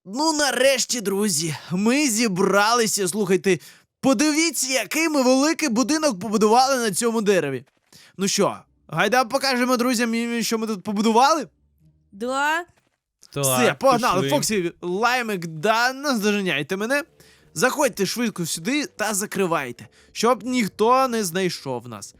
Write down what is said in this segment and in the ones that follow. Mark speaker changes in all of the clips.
Speaker 1: Ну, нарешті, друзі, ми зібралися. Слухайте, подивіться, який ми великий будинок побудували на цьому дереві. Ну що, гайда покажемо друзям, що ми тут побудували?
Speaker 2: Да?
Speaker 1: Все, погнали.
Speaker 3: пішли.
Speaker 1: Фоксі, Лаймик, да, наздоженяйте мене. Заходьте швидко сюди та закривайте, щоб ніхто не знайшов нас.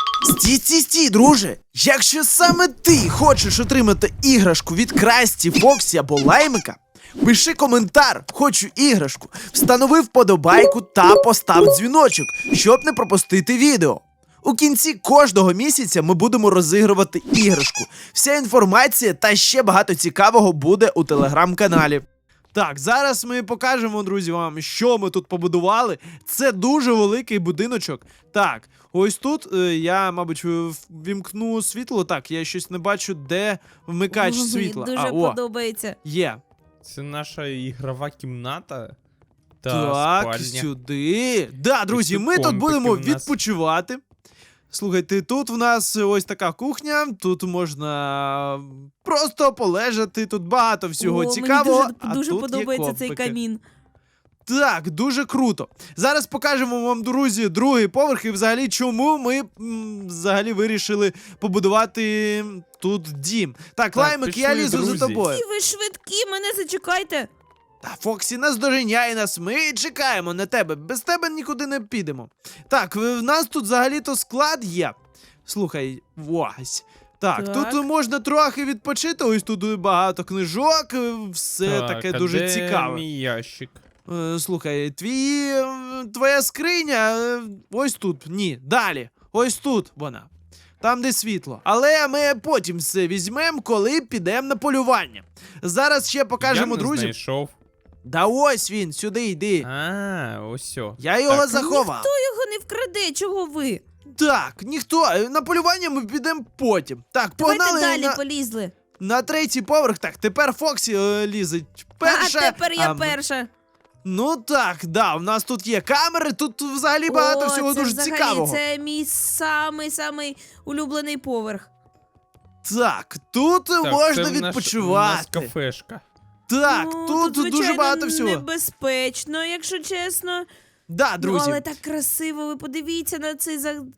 Speaker 1: Стій, друже! Якщо саме ти хочеш отримати іграшку від Красті, Фоксі або Лаймика, пиши коментар «Хочу іграшку», встанови вподобайку та постав дзвіночок, щоб не пропустити відео. У кінці кожного місяця ми будемо розігрувати іграшку. Вся інформація та ще багато цікавого буде у телеграм-каналі. Так, зараз ми покажемо, друзі, вам, що ми тут побудували. Це дуже великий будиночок. Так, ось тут я, мабуть, вімкну світло. Так, я щось не бачу, де вмикач
Speaker 2: Мені
Speaker 1: світла.
Speaker 2: дуже подобається.
Speaker 1: Є.
Speaker 3: Це наша ігрова кімната. Та
Speaker 1: Так,
Speaker 3: спальня.
Speaker 1: сюди. Да, друзі, ми тут
Speaker 3: компики
Speaker 1: будемо
Speaker 3: в нас.
Speaker 1: відпочивати. Слухайте, тут в нас ось така кухня, тут можна просто полежати, тут багато всього цікавого.
Speaker 2: Мені дуже
Speaker 1: а тут
Speaker 2: подобається
Speaker 1: є
Speaker 2: цей
Speaker 1: компики.
Speaker 2: камін.
Speaker 1: Так, дуже круто. Зараз покажемо вам, друзі, другий поверх і взагалі чому ми взагалі вирішили побудувати тут дім. Так, Лаймик,
Speaker 3: пішли,
Speaker 1: я лізу
Speaker 3: друзі.
Speaker 1: за тобою.
Speaker 2: І ви швидкі, мене зачекайте.
Speaker 1: Та Фоксі наздоженяє нас, ми чекаємо на тебе, без тебе нікуди не підемо. Так, в нас тут взагалі-то склад є. Слухай, ось. Так,
Speaker 2: Так.
Speaker 1: тут можна трохи відпочити, ось тут багато книжок, все таке
Speaker 3: а
Speaker 1: дуже
Speaker 3: де
Speaker 1: цікаве.
Speaker 3: мій ящик?
Speaker 1: Слухай, твоя скриня ось тут, ні, далі, ось тут вона. Там, де світло. Але ми потім все візьмемо, коли підемо на полювання. Зараз ще покажемо,
Speaker 3: Я не
Speaker 1: друзі.
Speaker 3: знайшов.
Speaker 1: Да ось він, сюди йди.
Speaker 3: Ось о.
Speaker 1: Я його
Speaker 3: Так.
Speaker 1: заховав.
Speaker 2: Ніхто його не вкраде, чого ви?
Speaker 1: Так, ніхто. На полювання ми підемо потім. Так,
Speaker 2: Давайте
Speaker 1: погнали
Speaker 2: далі полізли.
Speaker 1: на третій поверх. Так, тепер Фоксі лізе перша.
Speaker 2: А тепер я
Speaker 1: м-
Speaker 2: перша.
Speaker 1: Ну так, да, у нас тут є камери, тут взагалі багато всього
Speaker 2: це
Speaker 1: дуже
Speaker 2: взагалі,
Speaker 1: цікавого.
Speaker 2: Це мій самий улюблений поверх.
Speaker 1: Так, тут
Speaker 3: Так,
Speaker 1: можна
Speaker 3: це
Speaker 1: відпочивати.
Speaker 3: У нас кафешка.
Speaker 1: Так,
Speaker 2: Ну,
Speaker 1: тут дуже
Speaker 2: звичайно,
Speaker 1: багато всього.
Speaker 2: небезпечно, якщо чесно.
Speaker 1: Да, друзі.
Speaker 2: Ну, але так красиво, ви подивіться на цей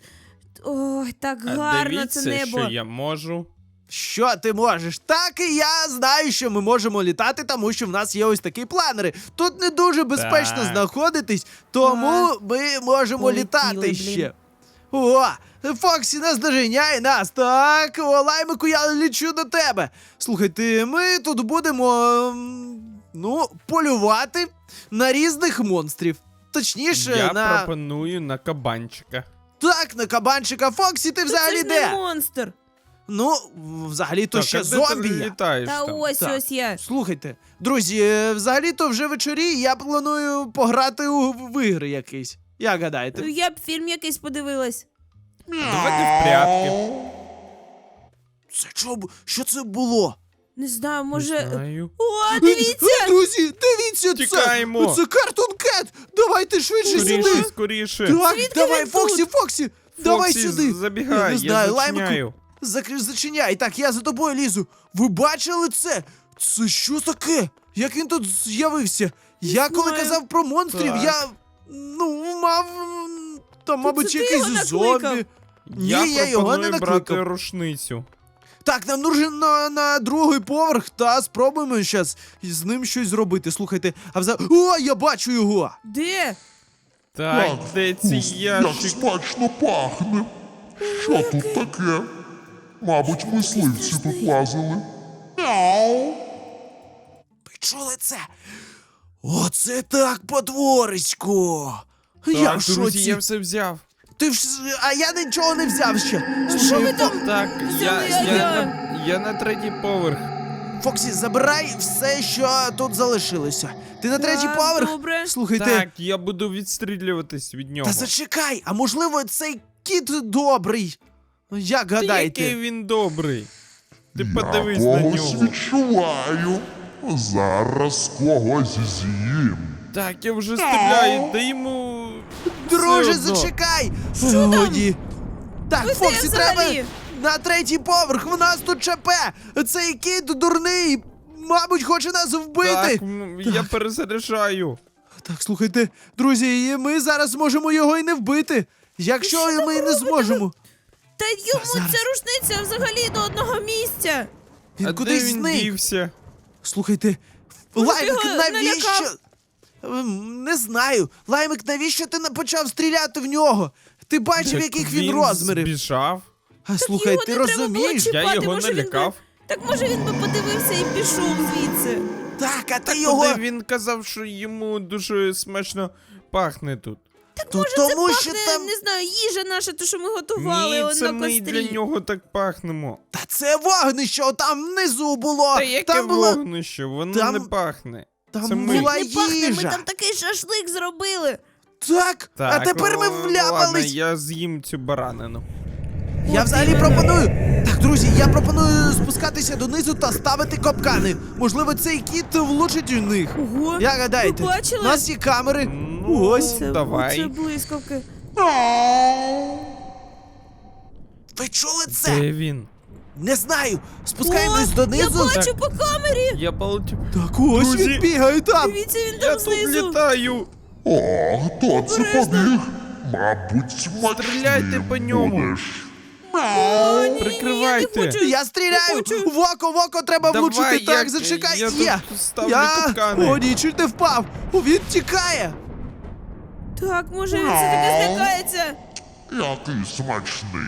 Speaker 2: Ой, так
Speaker 3: А
Speaker 2: гарно
Speaker 3: дивіться,
Speaker 2: це небо.
Speaker 3: що я можу.
Speaker 1: Що ти можеш? Так і я знаю, що ми можемо літати, тому що в нас є ось такі планери. Тут не дуже безпечно
Speaker 3: Так.
Speaker 1: знаходитись, тому ми можемо
Speaker 2: Полетіли,
Speaker 1: літати
Speaker 2: блін.
Speaker 1: ще. О, Фоксі наздоженяє нас. Так, о, Лаймику, я лічу до тебе. Слухайте, ми тут будемо, полювати на різних монстрів. Точніше,
Speaker 3: Я
Speaker 1: на...
Speaker 3: пропоную на кабанчика.
Speaker 1: Так, на кабанчика. Фоксі, ти
Speaker 2: Ну,
Speaker 1: взагалі
Speaker 2: це ж
Speaker 1: де?
Speaker 2: не монстр.
Speaker 1: Ну, взагалі-то
Speaker 3: Так,
Speaker 1: ще
Speaker 3: а де
Speaker 1: зомбі
Speaker 3: ти
Speaker 1: є.
Speaker 3: літаєш
Speaker 2: Та
Speaker 3: там?
Speaker 2: ось
Speaker 1: Так.
Speaker 2: ось я.
Speaker 1: Слухайте, друзі, взагалі-то вже вечорі я планую пограти в ігри якісь. Як гадаєте?
Speaker 2: Я б фільм якийсь подивилась.
Speaker 3: Давайте в прятки.
Speaker 1: Це що це було?
Speaker 2: Не знаю, може.
Speaker 3: Не знаю.
Speaker 2: О, дивіться!
Speaker 1: Друзі, дивіться,
Speaker 3: Тікаємо.
Speaker 1: це Cartoon Cat! Давайте швидше
Speaker 3: Скоріше,
Speaker 1: сюди!
Speaker 3: скоріше.
Speaker 1: Так,
Speaker 2: Звідки
Speaker 1: давай,
Speaker 2: він
Speaker 1: Фоксі, давай
Speaker 3: Фоксі,
Speaker 1: сюди!
Speaker 3: забігай,
Speaker 1: Я не знаю,
Speaker 3: я
Speaker 1: Лаймику,
Speaker 3: зачиняю.
Speaker 1: Зачиняй. Так, я за тобою лізу. Ви бачили це? Це що таке? Як він тут з'явився? Я коли
Speaker 2: знаю.
Speaker 1: казав про монстрів,
Speaker 3: Так.
Speaker 1: я мав там, мабуть,
Speaker 2: це ти
Speaker 1: якийсь
Speaker 2: його накликав?
Speaker 1: зомбі.
Speaker 3: Я
Speaker 1: Ні, я його не
Speaker 3: пропоную брати
Speaker 1: накликав.
Speaker 3: рушницю.
Speaker 1: Так, нам нужен на другий поверх, та спробуємо зараз з ним щось зробити. Слухайте, О, я бачу його!
Speaker 2: Де?
Speaker 3: Так, де цей
Speaker 4: Як
Speaker 3: ящик?
Speaker 4: смачно пахне. Що тут таке? Мабуть, мисливці тут лазили.
Speaker 1: Ви чули це? Оце так, потворисько! Я в
Speaker 3: Так, друзі,
Speaker 1: шоці.
Speaker 3: я все взяв.
Speaker 1: А я нічого не взяв ще.
Speaker 2: Що ви там?
Speaker 3: Так,
Speaker 2: Взяли,
Speaker 3: я на третій поверх.
Speaker 1: Фоксі, забирай все, що тут залишилося. Ти на третій
Speaker 2: Так,
Speaker 1: поверх?
Speaker 2: добре.
Speaker 1: Слухайте,
Speaker 3: Так, я буду відстрілюватись від нього.
Speaker 1: та зачекай, а можливо цей кіт добрий? Як
Speaker 3: Та
Speaker 1: гадаєте?
Speaker 3: який він добрий. Ти
Speaker 4: Я
Speaker 3: подивись на
Speaker 4: когось
Speaker 3: нього.
Speaker 4: відчуваю. Зараз когось з'їм.
Speaker 3: Так, я вже стріляю, дай йому.
Speaker 1: Друже,
Speaker 3: все одно.
Speaker 1: зачекай!
Speaker 2: Що там?
Speaker 1: Годі. Так,
Speaker 2: Ви де
Speaker 1: Фоксі, треба
Speaker 2: взагалі?
Speaker 1: на третій поверх, в нас тут ЧП! Цей кіт дурний мабуть, хоче нас вбити.
Speaker 3: Так, я перезаряджаю.
Speaker 1: Так, слухайте, друзі, і ми зараз зможемо його і не вбити. Якщо ми не зможемо.
Speaker 2: Та йому
Speaker 1: зараз.
Speaker 2: ця рушниця взагалі до одного місця.
Speaker 1: Він
Speaker 3: А
Speaker 1: кудись
Speaker 3: де він
Speaker 1: зник.
Speaker 3: дівся?
Speaker 1: Слухайте,
Speaker 2: Може,
Speaker 1: Лаймик,
Speaker 2: ти його
Speaker 1: навіщо?
Speaker 2: налякав?
Speaker 1: Не знаю. Лаймик, навіщо ти почав стріляти в нього? Ти бачив,
Speaker 3: Так
Speaker 1: яких він розмірів.
Speaker 3: збіжав.
Speaker 1: А слухай,
Speaker 2: його
Speaker 1: ти
Speaker 2: не треба було
Speaker 1: розумієш?
Speaker 2: чіпати.
Speaker 3: Я його
Speaker 2: може, він би-
Speaker 3: налякав.
Speaker 2: Так може він би подивився і пішов звідси.
Speaker 1: Так, а ти
Speaker 3: Так
Speaker 1: його.
Speaker 3: куди він казав, що йому дуже смачно пахне тут.
Speaker 1: То
Speaker 2: Це
Speaker 1: тому що
Speaker 2: пахне,
Speaker 1: там.
Speaker 2: не знаю, їжа наша, то що ми готували
Speaker 3: Ні,
Speaker 2: он
Speaker 3: це
Speaker 2: на
Speaker 3: ми
Speaker 2: кострі.
Speaker 3: для нього так пахнемо.
Speaker 1: Та це вогнище, там внизу було.
Speaker 3: Та яке
Speaker 1: там була,
Speaker 3: вогнище, воно
Speaker 1: там-
Speaker 3: не пахне.
Speaker 1: там
Speaker 3: це ми.
Speaker 1: була
Speaker 2: Не пахне, ми
Speaker 1: їжа.
Speaker 2: там такий шашлик зробили.
Speaker 1: Так, а тепер ми
Speaker 3: Ладно,
Speaker 1: вляпались.
Speaker 3: я з'їм цю баранину.
Speaker 1: Я
Speaker 2: От
Speaker 1: взагалі
Speaker 2: іменно.
Speaker 1: пропоную. Так, друзі, я пропоную спускатися донизу та ставити капкани. Можливо, цей кіт влучить у них.
Speaker 2: Ого,
Speaker 1: Як гадаєте?
Speaker 2: ви бачили?
Speaker 1: У нас є камери.
Speaker 3: Ну,
Speaker 1: Ось.
Speaker 3: давай.
Speaker 2: Це блискавки.
Speaker 1: Ви чули це?
Speaker 3: Де він?
Speaker 1: Не знаю. Спускаємось
Speaker 2: О,
Speaker 1: донизу.
Speaker 2: Я бачу по камері.
Speaker 3: Я полетів.
Speaker 1: Так, ось
Speaker 3: Друзі.
Speaker 1: він бігає там.
Speaker 2: Дивіться, він
Speaker 3: Я
Speaker 2: там
Speaker 3: тут
Speaker 2: знизу.
Speaker 3: літаю.
Speaker 4: О, хто це побіг? Мабуть, смачний
Speaker 3: Стріляйте по ньому.
Speaker 4: будеш.
Speaker 2: О, ні,
Speaker 3: Прикривайте.
Speaker 2: я не хочу.
Speaker 1: Я стріляю!
Speaker 2: хочу.
Speaker 1: В око треба
Speaker 3: Давай,
Speaker 1: влучити. Так,
Speaker 3: я-
Speaker 1: зачекай.
Speaker 3: я
Speaker 1: Є.
Speaker 3: тут ставлю капкани.
Speaker 1: О, ні, чуть не впав. О, він тікає.
Speaker 2: Так, може він все-таки злякається.
Speaker 4: Який смачний.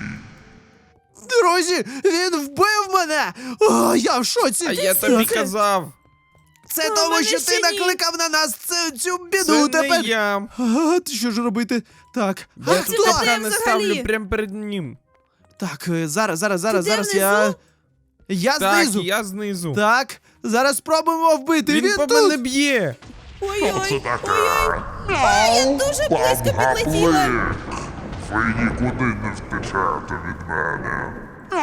Speaker 1: Друзі, він вбив мене. О, я в шоці.
Speaker 3: А я тобі
Speaker 1: Це-
Speaker 3: казав.
Speaker 1: Це
Speaker 2: А,
Speaker 1: тому,
Speaker 2: мене
Speaker 1: що ти
Speaker 2: ще ні.
Speaker 1: накликав на нас цю біду
Speaker 3: Це
Speaker 1: тепер.
Speaker 3: не я.
Speaker 1: А, що ж робити? Так, а
Speaker 3: Я
Speaker 2: це
Speaker 3: тут
Speaker 1: хто?
Speaker 2: таке?
Speaker 3: капкани
Speaker 2: взагалі?
Speaker 3: ставлю прямо перед ним.
Speaker 1: Так, зараз
Speaker 2: де
Speaker 1: я.
Speaker 2: внизу?
Speaker 1: Я
Speaker 3: Так,
Speaker 1: знизу.
Speaker 3: я знизу.
Speaker 1: Так, зараз спробуємо вбити.
Speaker 3: Він по
Speaker 1: тут.
Speaker 3: мене б'є.
Speaker 4: Що це
Speaker 2: Ой-ой,
Speaker 4: таке?
Speaker 2: ой-ой. Я дуже близько підлетіла.
Speaker 4: Ви нікуди не втечете від мене.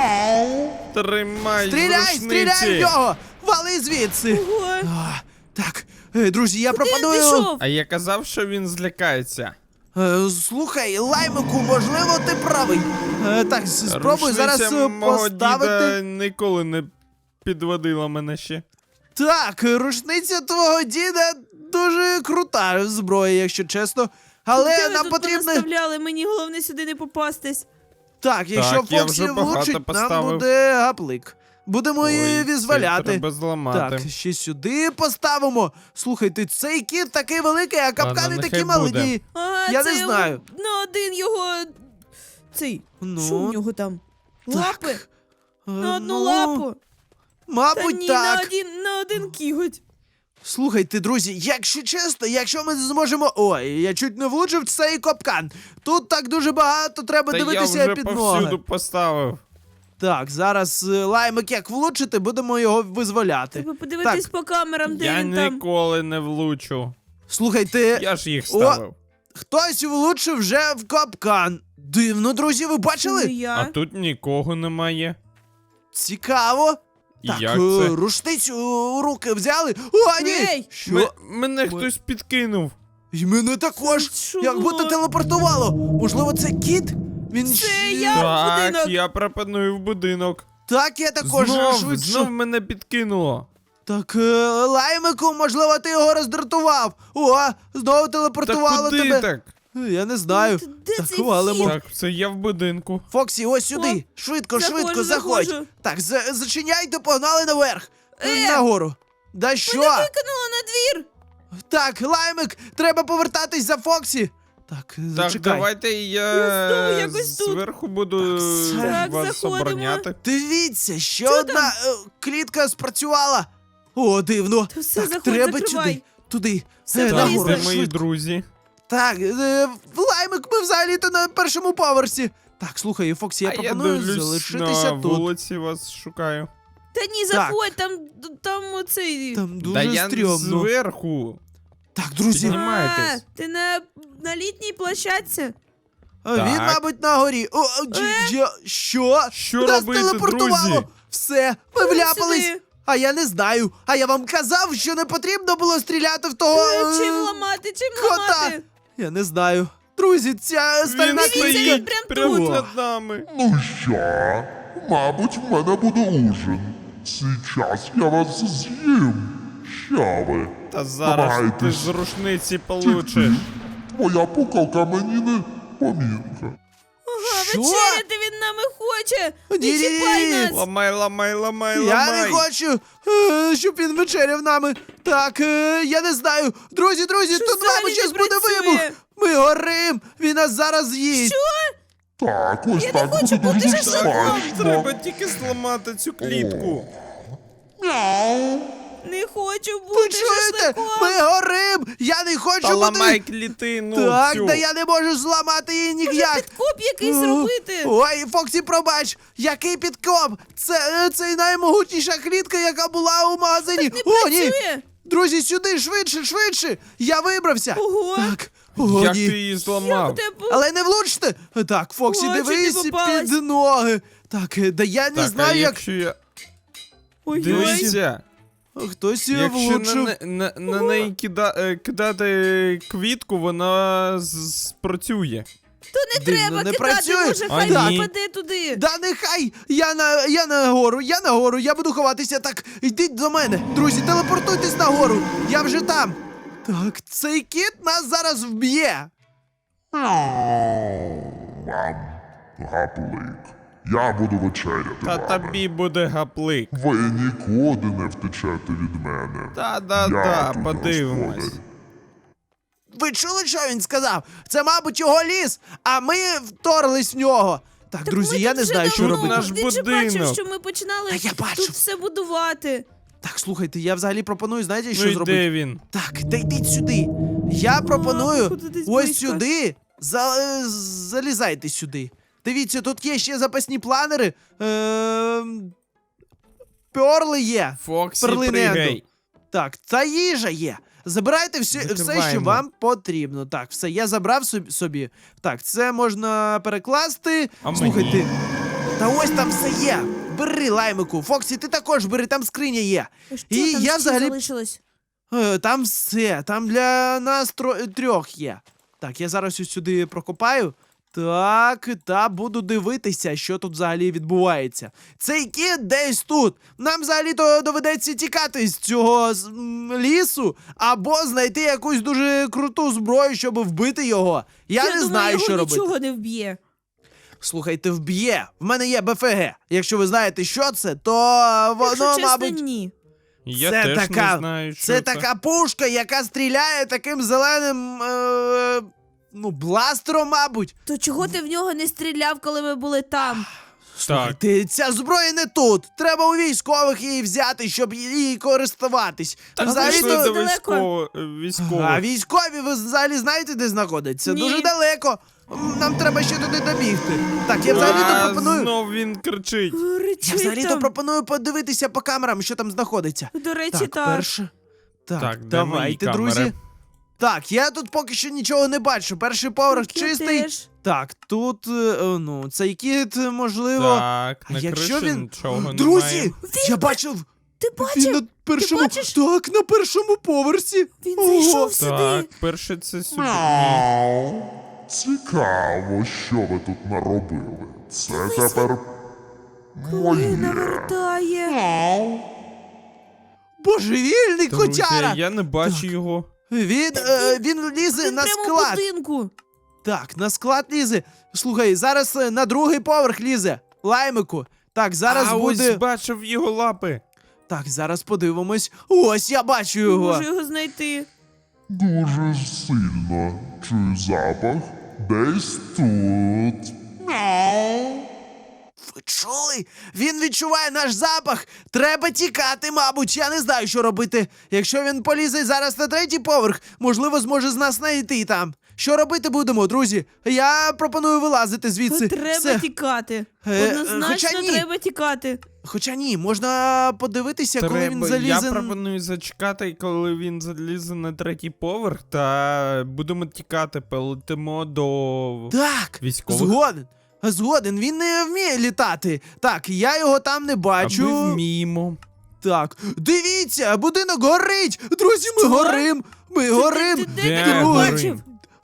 Speaker 3: Тримай
Speaker 1: Стріляй,
Speaker 3: з
Speaker 1: стріляй в
Speaker 3: рушниці.
Speaker 1: нього! Вали звідси!
Speaker 2: Ого.
Speaker 1: А, так, друзі, я
Speaker 2: Куди він
Speaker 1: пропоную.
Speaker 2: пішов?
Speaker 3: А я казав, що він злякається.
Speaker 1: Слухай, Лаймику, можливо, ти правий. Так, спробуй зараз
Speaker 3: Рушниця мого
Speaker 1: поставити.
Speaker 3: діда ніколи не підводила мене ще.
Speaker 1: Так, рушниця твого діда дуже крута зброя, якщо чесно. Але
Speaker 2: Де ви
Speaker 1: нам
Speaker 2: тут
Speaker 1: потрібно.
Speaker 2: понаставляли? Мені головне сюди не попастись.
Speaker 1: Так, якщо
Speaker 3: Так, я
Speaker 1: Фоксі
Speaker 3: вже багато
Speaker 1: влучить, нам
Speaker 3: поставив.
Speaker 1: буде гаплик. Будемо її
Speaker 3: Ой,
Speaker 1: визволяти.
Speaker 3: це треба зламати.
Speaker 1: Так, ще сюди поставимо. Слухайте, цей кіт такий великий, а капкани
Speaker 3: Ладно,
Speaker 1: такі
Speaker 3: нехай
Speaker 1: маленькі.
Speaker 3: буде.
Speaker 2: Ага,
Speaker 1: Я
Speaker 2: це
Speaker 1: не
Speaker 2: його
Speaker 1: знаю.
Speaker 2: на один його. Цей.
Speaker 1: Ну,
Speaker 2: Що в нього там? Лапи?
Speaker 1: Так.
Speaker 2: На одну
Speaker 1: Ну,
Speaker 2: лапу. Та
Speaker 1: Мабуть,
Speaker 2: ні,
Speaker 1: так.
Speaker 2: на один кіготь.
Speaker 1: Слухайте, друзі, якщо чесно, якщо ми зможемо. Ой, я чуть не влучив в цей капкан. Тут так дуже багато треба
Speaker 3: Та я
Speaker 1: дивитися
Speaker 3: вже
Speaker 1: під
Speaker 3: повсюду
Speaker 1: ноги.
Speaker 3: поставив.
Speaker 1: Так, зараз Лаймик як влучити, будемо його визволяти.
Speaker 2: Треба подивитись
Speaker 1: Так.
Speaker 2: по камерам, де
Speaker 3: Я
Speaker 2: він там.
Speaker 3: ніколи не влучу.
Speaker 1: Слухайте,
Speaker 3: Я ж їх ставив.
Speaker 1: хтось влучив вже в капкан. Дивно, друзі, ви
Speaker 2: Не
Speaker 1: бачили?
Speaker 3: А
Speaker 2: я.
Speaker 3: тут нікого немає.
Speaker 1: Цікаво.
Speaker 3: І
Speaker 1: Так,
Speaker 3: як це?
Speaker 1: рушницю у руки взяли. О, ні!
Speaker 2: Ей!
Speaker 1: Що?
Speaker 3: Мене хтось підкинув.
Speaker 1: І мене також.
Speaker 2: Що
Speaker 1: Як будто
Speaker 2: було?
Speaker 1: телепортувало. Можливо, це кіт? Він
Speaker 2: Це
Speaker 1: щ-
Speaker 2: я. в
Speaker 3: Так,
Speaker 2: будинок.
Speaker 3: я пропоную в будинок.
Speaker 1: Так, я також швидше.
Speaker 3: Знов мене підкинуло.
Speaker 1: Так, Лаймику, можливо, ти його роздратував. О, знову
Speaker 3: Та
Speaker 1: телепортувало
Speaker 3: куди
Speaker 1: тебе.
Speaker 3: так?
Speaker 1: Я не знаю.
Speaker 2: Ну, де
Speaker 1: Так,
Speaker 2: цей
Speaker 1: валимо.
Speaker 2: вхід?
Speaker 3: Так, це я в будинку.
Speaker 1: Фоксі, ось сюди.
Speaker 2: О,
Speaker 1: Швидко,
Speaker 2: заходжу,
Speaker 1: швидко, заходь.
Speaker 2: заходжу.
Speaker 1: Так, зачиняйте, погнали наверх. Нагору. Да що?
Speaker 2: Викинула на двір.
Speaker 1: Так, Лаймик, треба повертатись за Фоксі. Так,
Speaker 3: Так,
Speaker 1: зачекай.
Speaker 3: давайте
Speaker 2: Я знову
Speaker 3: я
Speaker 2: якось тут.
Speaker 3: зверху буду
Speaker 1: Так,
Speaker 3: вас
Speaker 2: заходимо.
Speaker 3: обороняти.
Speaker 1: Дивіться, ще
Speaker 2: Що
Speaker 1: одна клітка спрацювала. О, дивно.
Speaker 2: Та все,
Speaker 1: так,
Speaker 2: заходь,
Speaker 1: треба
Speaker 2: закривай.
Speaker 1: сюди. Туди.
Speaker 2: Все,
Speaker 3: Так,
Speaker 1: нагору,
Speaker 3: де
Speaker 2: Лізь,
Speaker 3: мої
Speaker 1: швидко.
Speaker 3: друзі?
Speaker 1: Так, Лаймик, ми взагалі-то на першому поверсі. Так, слухай, Фоксі, я
Speaker 3: А я
Speaker 1: пропоную
Speaker 3: дивлюсь
Speaker 1: залишитися
Speaker 3: на
Speaker 1: тут.
Speaker 3: вулиці вас шукаю.
Speaker 2: Та ні, заходь, там оцей.
Speaker 1: Там дуже
Speaker 3: Да я
Speaker 1: стрьомно.
Speaker 3: зверху.
Speaker 1: Так, друзі,
Speaker 3: Піднімайтесь.
Speaker 2: Ти на літній площадці?
Speaker 1: він,
Speaker 3: Так.
Speaker 1: мабуть, на горі. Що?
Speaker 3: Що
Speaker 1: Нас
Speaker 3: робити,
Speaker 1: телепортувало.
Speaker 3: друзі?
Speaker 1: Все, ми вляпались.
Speaker 2: сюди.
Speaker 1: А я не знаю. А я вам казав, що не потрібно було стріляти в того.
Speaker 2: Чим ламати, чим
Speaker 1: кота.
Speaker 2: ламати?
Speaker 1: Я не знаю. Друзі, ця стальна
Speaker 2: Дивіться,
Speaker 1: клітка.
Speaker 2: він прям
Speaker 3: прямо
Speaker 2: тут.
Speaker 3: над нами.
Speaker 4: Ну що? Мабуть, в мене буде ужин. Сейчас я вас з'їм. Що ви?
Speaker 3: Та зараз ти
Speaker 4: Намагайтесь.
Speaker 3: з рушниці получиш.
Speaker 4: Твоя пукалка мені не помінка.
Speaker 2: Ага,
Speaker 1: Що?
Speaker 2: вечеряти він нами хоче. Не
Speaker 1: Ні-ні-ні.
Speaker 2: чіпай нас.
Speaker 3: Ламай, ламай, ламай,
Speaker 1: Я
Speaker 3: ламай.
Speaker 1: не хочу, щоб він вечеряв нами. Так, я не знаю. Друзі, тут,
Speaker 2: взагалі
Speaker 1: мабуть,
Speaker 2: не
Speaker 1: зараз буде
Speaker 2: працює?
Speaker 1: вибух. Ми горим, він нас зараз з'їсть.
Speaker 4: Так, ось так
Speaker 2: хочу
Speaker 4: буде
Speaker 2: бути
Speaker 4: дуже
Speaker 2: шашликом.
Speaker 4: смачно.
Speaker 3: Треба тільки зламати цю клітку.
Speaker 4: Мяу.
Speaker 2: Не хочу
Speaker 1: Ви
Speaker 2: бути
Speaker 1: чуєте?
Speaker 2: шашликом.
Speaker 1: Ми горим! Я не хочу
Speaker 3: Та ламай
Speaker 1: бути...
Speaker 3: клітину
Speaker 1: Так,
Speaker 3: цю.
Speaker 1: та я не можу зламати її
Speaker 2: Може,
Speaker 1: ніяк.
Speaker 2: підкоп якийсь
Speaker 1: О,
Speaker 2: робити?
Speaker 1: Ой, Фоксі, пробач! Який підкоп? Це наймогутніша клітка, яка була у магазині. О, ні!
Speaker 2: Працює?
Speaker 1: Друзі, сюди, швидше! Я вибрався!
Speaker 2: Ого.
Speaker 1: Так, о,
Speaker 3: Як
Speaker 1: ні.
Speaker 3: ти її зламав?
Speaker 1: Але не влучте! Так, Фоксі,
Speaker 2: О, чуть не
Speaker 1: дивись
Speaker 2: попалась.
Speaker 1: під ноги. Так, да я не
Speaker 3: Так,
Speaker 1: знаю,
Speaker 3: а
Speaker 1: як
Speaker 3: якщо я...
Speaker 2: Ой-ой.
Speaker 3: Дивіться,
Speaker 1: хтось її
Speaker 3: якщо
Speaker 1: влучив.
Speaker 3: на неї кидати квітку, вона спрацює.
Speaker 2: Не треба
Speaker 1: не
Speaker 2: кидати,
Speaker 1: працює.
Speaker 2: може,
Speaker 3: А
Speaker 2: хай
Speaker 3: ні.
Speaker 2: попаде туди.
Speaker 1: Да нехай! Я нагору, я буду ховатися. Так, йдіть до мене. Друзі, телепортуйтесь нагору. Я вже там. Так, цей кіт нас зараз вб'є.
Speaker 4: Вам гаплик. Я буду вечеряти
Speaker 3: Та
Speaker 4: вами.
Speaker 3: тобі буде гаплик.
Speaker 4: Ви нікуди не втечете від мене.
Speaker 3: Та-да-да,
Speaker 4: тут
Speaker 3: подивимось.
Speaker 4: господар.
Speaker 1: Ви чули, що він сказав? Це, мабуть, його ліс, а ми вторглись в нього. Так, друзі,
Speaker 2: Ми
Speaker 1: я
Speaker 2: тут
Speaker 1: не
Speaker 2: вже
Speaker 1: знаю, що
Speaker 2: давно.
Speaker 1: робити.
Speaker 3: Наш
Speaker 2: Він же бачив,
Speaker 3: будинок.
Speaker 2: що ми починали
Speaker 1: Та я бачу.
Speaker 2: тут все будувати.
Speaker 1: Так, слухайте, я взагалі пропоную, знаєте, що
Speaker 3: Ну і
Speaker 1: зробити?
Speaker 3: де він?
Speaker 1: Так, та йдіть сюди. Я пропоную
Speaker 2: походу, десь
Speaker 1: ось
Speaker 2: близько.
Speaker 1: сюди. Залізайте сюди. Дивіться, тут є ще запасні планери. Перли є.
Speaker 3: Фоксі,
Speaker 1: Перлини
Speaker 3: пригай.
Speaker 1: Енду. Так, та їжа є. Забирайте все, що
Speaker 3: Закриваємо.
Speaker 1: вам потрібно. Так, все, я забрав собі. Так, це можна перекласти.
Speaker 3: А
Speaker 1: Слухайте. Та ось там все є. Бери, лаймику. Фоксі, ти також бери, там скриня є.
Speaker 2: А що
Speaker 1: І
Speaker 2: там
Speaker 1: я
Speaker 2: ще
Speaker 1: взагалі-
Speaker 2: залишилось?
Speaker 1: Там все, там для нас трьох є. Так, я зараз ось сюди прокопаю. Так, та буду дивитися, що тут взагалі відбувається. Цей кіт десь тут. Нам взагалі-то доведеться тікати з цього лісу, або знайти якусь дуже круту зброю, щоб вбити його. Я не
Speaker 2: думаю,
Speaker 1: знаю,
Speaker 2: його
Speaker 1: що робити.
Speaker 2: нічого не вб'є.
Speaker 1: Слухайте, вб'є. В мене є БФГ. Якщо ви знаєте, що це, то воно,
Speaker 2: Якщо чесно,
Speaker 1: мабуть.
Speaker 2: ні.
Speaker 3: Я
Speaker 1: Це
Speaker 3: теж
Speaker 1: така-
Speaker 3: не знаю, що
Speaker 1: Це така пушка, яка стріляє таким зеленим. Бластером, мабуть.
Speaker 2: То чого ти в нього не стріляв, коли ми були там?
Speaker 3: Так,
Speaker 1: Ця зброя не тут. Треба у військових її взяти, щоб її користуватись.
Speaker 3: так
Speaker 1: Взагалі
Speaker 3: пішли
Speaker 1: то...
Speaker 3: до
Speaker 2: далеко.
Speaker 3: військових.
Speaker 1: А військові ви взагалі знаєте, де знаходяться?
Speaker 2: Ні.
Speaker 1: Дуже далеко. Нам треба ще туди добігти. Так, я взагалі-то пропоную.
Speaker 3: Знов він кричить.
Speaker 1: Я
Speaker 2: Речить
Speaker 1: взагалі-то
Speaker 2: там.
Speaker 1: пропоную подивитися по камерам, що там знаходиться.
Speaker 2: До речі,
Speaker 1: Так,
Speaker 2: так.
Speaker 1: перше. Так,
Speaker 3: Так, де
Speaker 1: давайте,
Speaker 3: мої
Speaker 1: друзі.
Speaker 3: камери?
Speaker 1: Так, я тут поки що нічого не бачу. Перший поверх
Speaker 2: Так, я
Speaker 1: чистий.
Speaker 2: теж.
Speaker 1: Так, тут, цей кіт, можливо.
Speaker 3: Так,
Speaker 1: А
Speaker 3: на
Speaker 1: якщо
Speaker 3: криші
Speaker 1: він.
Speaker 3: нічого
Speaker 1: Друзі!
Speaker 3: немає.
Speaker 1: Я бачив!
Speaker 2: Ти
Speaker 1: Він
Speaker 2: бачив?
Speaker 1: на першому.
Speaker 2: бачиш?
Speaker 1: Так, на першому поверсі.
Speaker 2: Він
Speaker 1: Ого.
Speaker 2: зайшов сюди.
Speaker 3: Так, перше це сюди.
Speaker 4: Мяу. Цікаво, що ви тут наробили. Це тепер
Speaker 2: Коли
Speaker 4: моє.
Speaker 2: навертає.
Speaker 1: Божевільний
Speaker 3: Друзі,
Speaker 1: котяра!
Speaker 3: я не бачу його.
Speaker 1: Він лізе
Speaker 2: Він
Speaker 1: на
Speaker 2: прямо в
Speaker 1: склад.
Speaker 2: будинку.
Speaker 1: Так, на склад лізе. Слухай, зараз на другий поверх лізе. Лаймику. Так, зараз
Speaker 3: а
Speaker 1: буде.
Speaker 3: ось бачив його лапи.
Speaker 1: Так, зараз подивимось. Ось я бачу
Speaker 2: Не
Speaker 1: його.
Speaker 2: можу його знайти.
Speaker 4: Дуже сильно чую запах. Десь тут.
Speaker 1: Ви чули? Він відчуває наш запах. Треба тікати, мабуть. Я не знаю, що робити. Якщо він полізе зараз на третій поверх, можливо, зможе з нас знайти там. Що робити будемо, друзі? Я пропоную вилазити звідси.
Speaker 2: Треба
Speaker 1: Все.
Speaker 2: тікати.
Speaker 1: Хоча
Speaker 2: Однозначно
Speaker 1: ні.
Speaker 2: треба тікати.
Speaker 1: Хоча ні, можна подивитися, коли він
Speaker 3: Я
Speaker 1: залізе.
Speaker 3: пропоную зачекати, коли він залізе на третій поверх, та будемо тікати, полетимо до
Speaker 1: Так,
Speaker 3: військових.
Speaker 1: Згоден, він не вміє літати. Так, я його там не
Speaker 3: А
Speaker 1: бачу.
Speaker 3: ми вміємо.
Speaker 1: Так, дивіться, будинок горить! Друзі, ми
Speaker 2: Що?
Speaker 1: горим! Ми горим!
Speaker 2: Ти де
Speaker 3: Де
Speaker 2: ти його
Speaker 3: горим?
Speaker 2: бачив?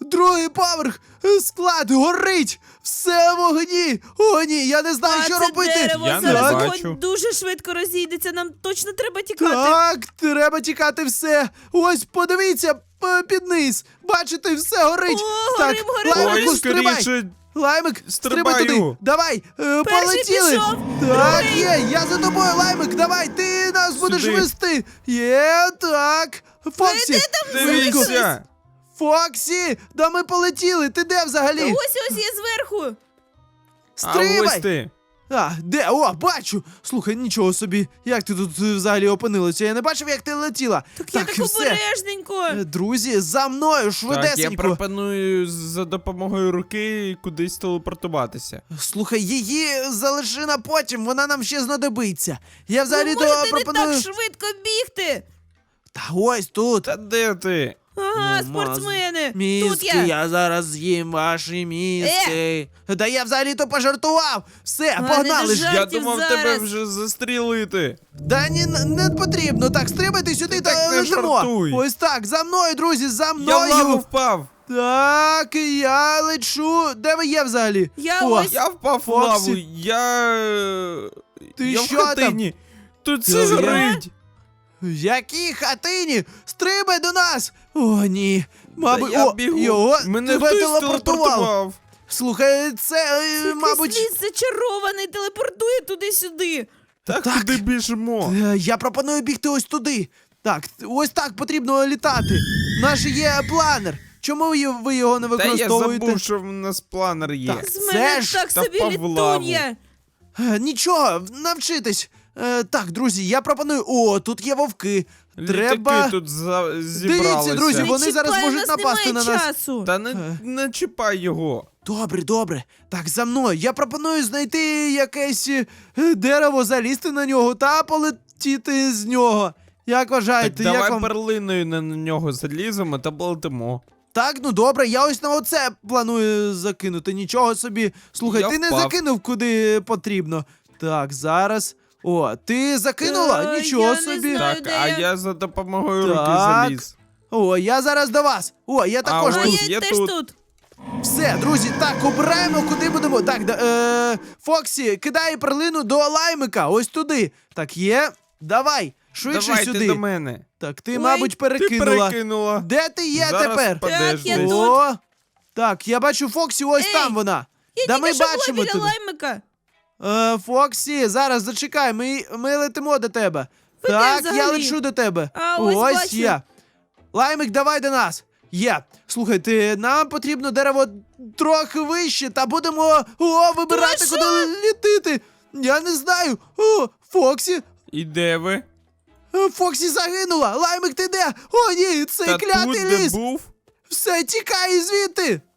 Speaker 1: другий поверх, склад горить, все в вогні. О, ні, я не знаю,
Speaker 2: А
Speaker 1: що
Speaker 2: це
Speaker 1: робити.
Speaker 2: дерево
Speaker 3: Я не
Speaker 2: зараз
Speaker 3: бачу.
Speaker 2: вогонь дуже швидко розійдеться, нам точно треба тікати.
Speaker 1: Так, треба тікати все. Ось, подивіться під низ. Бачите, все горить.
Speaker 2: О,
Speaker 1: так,
Speaker 2: горим.
Speaker 1: Лаймику,
Speaker 3: Ой,
Speaker 1: стрибай.
Speaker 3: скоріше.
Speaker 1: Лаймик, стрибай
Speaker 3: Стрибаю.
Speaker 1: туди. Давай, полетіли.
Speaker 2: пішов,
Speaker 1: Так,
Speaker 2: другий.
Speaker 1: є, я за тобою, Лаймик, давай, ти нас будеш
Speaker 3: Сюди.
Speaker 1: вести. Є, так. Фоксі,
Speaker 3: Дивіться.
Speaker 1: Фоксі, да ми полетіли, ти де взагалі?
Speaker 2: Ось я зверху.
Speaker 3: А
Speaker 1: Стрибай.
Speaker 3: ось ти.
Speaker 1: А, де? О, бачу! Слухай, нічого собі. Як ти тут взагалі опинилася? Я не бачив, як ти летіла.
Speaker 2: Так я так обережненько.
Speaker 1: Друзі, за мною,
Speaker 3: Так, я
Speaker 1: швидесенько.
Speaker 3: пропоную за допомогою руки кудись телепортуватися.
Speaker 1: Слухай, її залиши на потім, вона нам ще знадобиться. Я
Speaker 2: Ви
Speaker 1: взагалі то
Speaker 2: можете
Speaker 1: пропоную.
Speaker 2: не так швидко бігти.
Speaker 1: Та ось тут.
Speaker 3: Та де ти?
Speaker 2: Ага,
Speaker 1: Ну,
Speaker 2: спортсмени. Тут
Speaker 1: Мізки, я зараз з'їм ваші мізки. Та я взагалі то пожартував. Все,
Speaker 2: не
Speaker 1: погнали ж.
Speaker 2: дожар-
Speaker 3: Я
Speaker 2: Жартів
Speaker 3: думав
Speaker 2: зараз.
Speaker 3: тебе вже застрілити.
Speaker 1: Да ні, не потрібно. Так, стрибайте сюди
Speaker 3: так
Speaker 1: та
Speaker 3: не
Speaker 1: летимо.
Speaker 3: жартуй.
Speaker 1: Ось так, за мною, друзі, за
Speaker 3: Я в
Speaker 1: мною.
Speaker 3: лаву впав.
Speaker 1: Так, я лечу. Де ви є взагалі?
Speaker 2: Я
Speaker 1: О,
Speaker 2: ось-
Speaker 3: Я впав в
Speaker 1: Фоксі.
Speaker 3: лаву.
Speaker 1: Ти
Speaker 3: я
Speaker 1: що
Speaker 3: в хатині. Тут
Speaker 1: Ти
Speaker 3: все
Speaker 1: що?
Speaker 3: горить.
Speaker 1: В якій хатині? Стрибай до нас! О, ні. Мабуть,
Speaker 3: Та я
Speaker 1: о,
Speaker 3: бігу.
Speaker 1: його
Speaker 3: Мене
Speaker 1: тебе
Speaker 3: хтось
Speaker 1: телепортував. Слухай, це, мабуть.
Speaker 2: Якийсь ліс зачарований, телепортує туди-сюди.
Speaker 3: Так,
Speaker 1: Так.
Speaker 3: куди біжимо?
Speaker 1: Я пропоную бігти ось туди. Так, ось так потрібно літати. Наш є планер. Чому ви його не
Speaker 3: Та я
Speaker 1: використовуєте?
Speaker 3: забув, що в нас планер є.
Speaker 1: Так.
Speaker 2: З
Speaker 1: Це
Speaker 2: мене
Speaker 1: ж
Speaker 2: так
Speaker 3: та
Speaker 2: собі
Speaker 3: впав в лаву.
Speaker 2: літун'я.
Speaker 1: Нічого, навчитись. Так, друзі, я пропоную. О, тут є вовки. Треба.
Speaker 3: Літаки тут зібралися.
Speaker 1: Дивіться, друзі,
Speaker 2: Не
Speaker 1: вони зараз
Speaker 2: чіпай,
Speaker 1: можуть
Speaker 2: у нас
Speaker 1: напасти
Speaker 2: немає
Speaker 1: на нас.
Speaker 2: часу.
Speaker 3: Та не чіпай його.
Speaker 1: Добре, добре. Так, за мною. Я пропоную знайти якесь дерево, залізти на нього та полетіти з нього. Як вважаєте,
Speaker 3: Так давай
Speaker 1: як вам?
Speaker 3: перлиною на нього заліземо та полетимо.
Speaker 1: Так, ну добре, я ось на оце планую закинути. Нічого собі. Слухай,
Speaker 3: Я
Speaker 1: ти не
Speaker 3: впав.
Speaker 1: закинув куди потрібно. Так, зараз. О, ти закинула? Нічого
Speaker 2: я не
Speaker 1: собі.
Speaker 2: знаю.
Speaker 3: Так,
Speaker 2: де
Speaker 3: а
Speaker 2: я?
Speaker 3: я за допомогою руки
Speaker 1: Так.
Speaker 3: заліз.
Speaker 1: О, я зараз до вас. О, я також
Speaker 3: ось
Speaker 2: А
Speaker 1: тут.
Speaker 3: є
Speaker 2: я теж
Speaker 3: тут.
Speaker 2: тут.
Speaker 1: Все, друзі, так, обираємо, куди будемо. Так, Фоксі, кидай перлину до лаймика, ось туди. Так, є. Давай, швидше
Speaker 3: Давай
Speaker 1: сюди.
Speaker 3: ти до мене.
Speaker 1: Так, ти,
Speaker 2: Ой,
Speaker 1: мабуть,
Speaker 3: Ти
Speaker 1: перекинула.
Speaker 3: перекинула.
Speaker 1: Де ти є
Speaker 3: Зараз
Speaker 1: тепер?
Speaker 3: падеш
Speaker 2: Так, я
Speaker 3: десь.
Speaker 2: тут.
Speaker 1: О, так, я бачу Фоксі, ось
Speaker 2: Ей,
Speaker 1: там вона.
Speaker 2: Я
Speaker 1: Да
Speaker 2: тільки
Speaker 1: ми
Speaker 2: що була
Speaker 1: бачимо
Speaker 2: біля
Speaker 1: тебе.
Speaker 2: лаймика.
Speaker 1: Фоксі, зараз зачекай, ми летимо до тебе.
Speaker 2: Ви де
Speaker 1: Так, я
Speaker 2: взагалі?
Speaker 1: лечу до тебе.
Speaker 2: А, ось бачу.
Speaker 1: є. Лаймик, давай до нас. Є. Слухайте, нам потрібно дерево трохи вище, та будемо вибирати,
Speaker 2: що?
Speaker 1: куди літити. Я не знаю. О, Фоксі.
Speaker 3: І де ви?
Speaker 1: Фоксі загинула. Лаймик, ти де? О, ні, цей
Speaker 3: Та
Speaker 1: клятий
Speaker 3: тут, де
Speaker 1: ліс.
Speaker 3: був?
Speaker 1: Все, тікай звідти.